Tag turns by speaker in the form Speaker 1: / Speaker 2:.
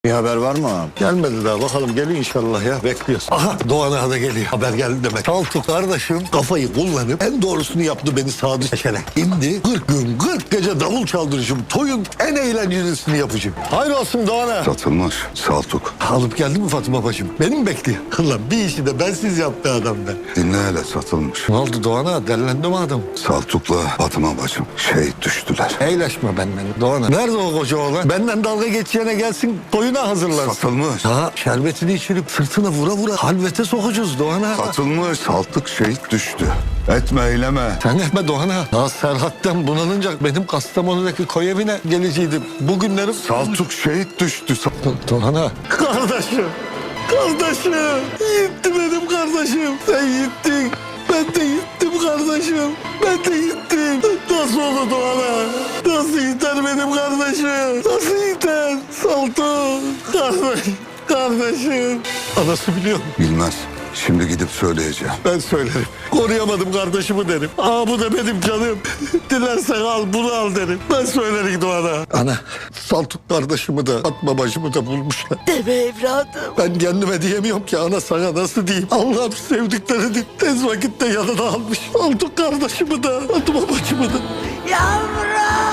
Speaker 1: Bir haber var mı abi?
Speaker 2: Gelmedi daha, bakalım geliyor inşallah ya, bekliyoruz. Aha, Doğan Ağa da geliyor, haber geldi demek. Saltuk kardeşim kafayı kullanıp en doğrusunu yaptı, beni sadık seçerek. Şimdi 40 gün 40 gece davul çaldırışım, toyun en eğlencelisini yapacağım. Hayır olsun Doğan Ağa.
Speaker 3: Satılmış Saltuk.
Speaker 2: Alıp geldi mi Fatıma bacım? Beni mi bekliyor? Ulan bir işi de bensiz yaptı adam be.
Speaker 3: Dinle hele, satılmış.
Speaker 2: Ne oldu Doğan Ağa, derlendi mi adam?
Speaker 3: Saltuk'la Fatıma bacım şehit düştüler.
Speaker 2: Eğleşme benden Doğan Ağa. Nerede o koca oğlan? Benden dalga geçeceğine gelsin, toyuna hazırlansın.
Speaker 3: Satılmış.
Speaker 2: Ha, şerbetini içirip sırtına vura vura halvete sokacağız Doğan Ağa.
Speaker 3: Satılmış. Saltuk şehit düştü. Etme eyleme.
Speaker 2: Sen etme Doğan Ağa. Ya Serhat'tan bunalınca benim Kastamonu'daki koy evine geleceydim. Bugünlerim...
Speaker 3: Saltuk şehit düştü.
Speaker 2: Doğan Ağa. Kardeşim. Kardeşim. Gitti benim kardeşim. Sen gittin. Ben de gittim kardeşim. Ben de gittim. Nasıl oldu Doğan Ağa? Nasıl gider benim kardeşim? Nasıl gider? Saltuk. Kardeşim. Anası biliyor mu?
Speaker 3: Bilmez. Şimdi gidip söyleyeceğim.
Speaker 2: Ben söylerim. Koruyamadım kardeşimi derim. Aa, bu da benim canım. Dilersen al, bunu al derim. Ben söylerim Doğan'a. Ana, Saltuk kardeşimi de Fatma bacımı da bulmuşlar.
Speaker 4: Deme evladım.
Speaker 2: Ben kendime diyemiyorum ki ana, sana nasıl diyeyim. Allah'ım sevdiklerini tez vakitte yanına almış. Saltuk kardeşimi de Fatma bacımı da.
Speaker 4: Yavrum.